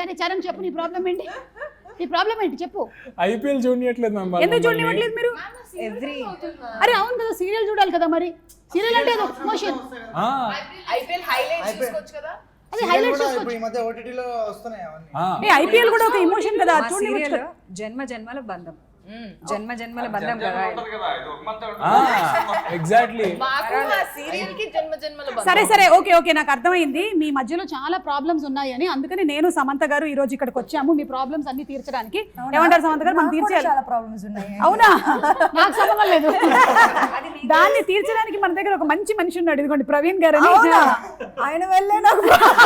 అరే చరణ్ చెప్పు నీ ప్రాబ్లం ఏంటి, నీ ప్రాబ్లం ఏంటి చెప్పు. ఐపీఎల్ చూడట్లేదు మ్యామ్. ఎందుకు చూడనివ్వట్లేదు మీరు? అరే అవును కదా, సీరియల్ చూడాలి కదా, మరి సీరియల్ అంటే ఎమోషన్. ఐపీఎల్ హైలైట్స్ చూసుకోవచ్చు కదా. అది హైలైట్స్ ఇప్పుడు ఈ మధ్య ఓటీటీలో వస్తున్నాయి అవన్నీ. ఐపీఎల్ కూడా ఒక ఎమోషన్ కదా, చూడండి. జన్మ జన్మల బంధం, జన్మ జన్మల బంధం కదా. ఎగ్జాక్ట్లీ. సరే సరే ఓకే ఓకే, నాకు అర్థమైంది. మీ మధ్యలో చాలా ప్రాబ్లమ్స్ ఉన్నాయని, అందుకని నేను సమంత గారు ఈ రోజు ఇక్కడికి వచ్చాము మీ ప్రాబ్లమ్స్ అన్ని తీర్చడానికి. ఏమంటారు సమంత గారు? మనం తీర్చేయాలి. చాలా ప్రాబ్లమ్స్ ఉన్నాయి. అవునా? నాకు సంబంధం లేదు. దాన్ని తీర్చడానికి మన దగ్గర ఒక మంచి మనిషి ఉన్నాడు, ఇదిగోండి ప్రవీణ్ గారు అని. ఆయన వెళ్ళే నాకు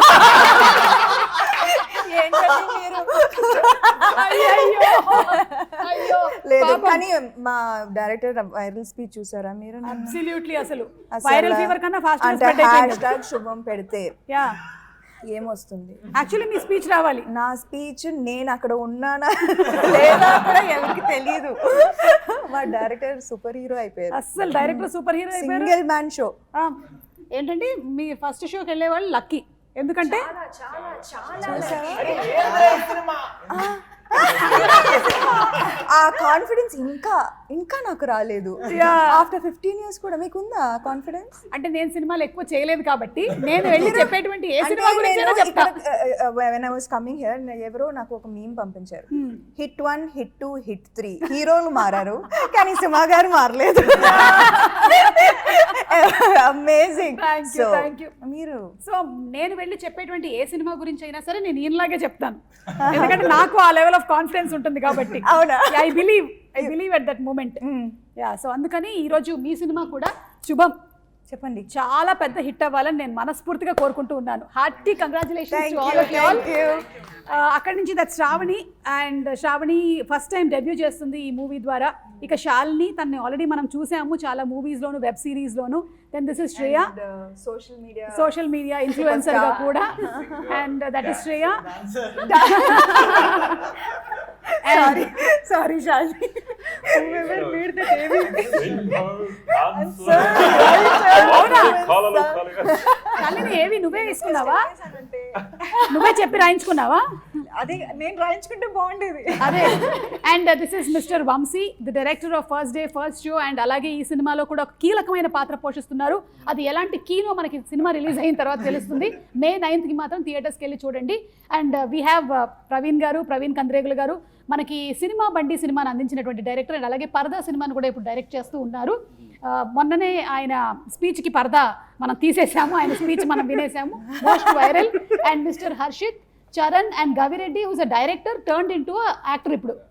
లేదు, కానీ మా డైరెక్టర్ వైరల్ స్పీచ్ చూసారా మీరు? అబ్సల్యూట్లీ, అసలు వైరల్ ఫీవర్ కన్నా ఫాస్ట్ #, శుభం పెడితే ఏమొస్తుంది? యాక్చువల్లీ మీ స్పీచ్ రావాలి. నా స్పీచ్ నేను అక్కడ ఉన్నానా లేదా కూడా ఎవరికి తెలియదు. మా డైరెక్టర్ సూపర్ హీరో అయిపోయారు. అసలు డైరెక్టర్ సూపర్ హీరో అయిపోయారు. Single man show. ఏంటంటే మీ ఫస్ట్ షోకి వెళ్ళే వాళ్ళు లక్కీ, ఎందుకంటే ఆ కాన్ఫిడెన్స్ ఇంకా నాకు రాలేదు. ఆఫ్టర్ 15 years కూడా మీకుందా కాన్ఫిడెన్స్? అంటే నేను సినిమాలు ఎక్కువ చేయలేదు కాబట్టి నేను వెళ్ళి చెప్పేటువంటి ఏ సినిమా గురించి చెప్తా. when I was coming here, ఎవరో నాకు ఒక మీమ్ పంపించారు. హిట్ 1, హిట్ 2, హిట్ 3 హీరోలు మారారు కానీ సుమా గారు మారలేదు. అమేజింగ్. Thank you. మీరు సో నేను వెళ్ళి చెప్పేటువంటి ఏ సినిమా గురించి అయినా సరే నేను ఈయనలాగే చెప్తాను, ఎందుకంటే నాకు ఆ లెవెల్ ఆఫ్ కాన్ఫిడెన్స్ ఉంటుంది కాబట్టి. అవునా? I believe at that moment. So అందుకని ఈరోజు మీ సినిమా కూడా శుభం చెప్పండి చాలా పెద్ద హిట్ అవ్వాలని నేను మనస్ఫూర్తిగా కోరుకుంటూ ఉన్నాను. Hearty congratulations to all of you all. అక్కడి నుంచి that Shravani, and Shravani first time debut చేస్తుంది ఈ మూవీ ద్వారా. ఇక శాలిని, తనని ఆల్రెడీ మనం చూసాము చాలా మూవీస్లోను, వెబ్ సిరీస్లోను. Then this is Shreya, social media ఇన్ఫ్లుయెన్సర్గా కూడా, and that is Shreya. Sorry Shalini, Shalini ఏవి నువ్వే వేసుకున్నావా? నువ్వే చెప్పి రాయించుకున్నావా? అదే నేను రాయించుకుంటే బాగుండేది. అదే. And this is mister Vamshi, the director of first day first show. And అలాగే ఈ సినిమాలో కూడా ఒక కీలకమైన పాత్ర పోషిస్తున్నారు. అది ఎలాంటి కీనో మనకి సినిమా రిలీజ్ అయిన తర్వాత తెలుస్తుంది. May 9th మాత్రం థియేటర్స్కి వెళ్ళి చూడండి. And we have Praveen Kandregula గారు, మనకి సినిమా బండి సినిమాను అందించినటువంటి డైరెక్టర్. అండ్ అలాగే పరదా సినిమాను కూడా ఇప్పుడు డైరెక్ట్ చేస్తూ ఉన్నారు. మొన్ననే ఆయన స్పీచ్కి పరదా మనం తీసేసాము, ఆయన స్పీచ్ మనం వినేసాము, most viral. And mister Harshith, Charan and Gavireddy, who's a director turned into actor ఇప్పుడు.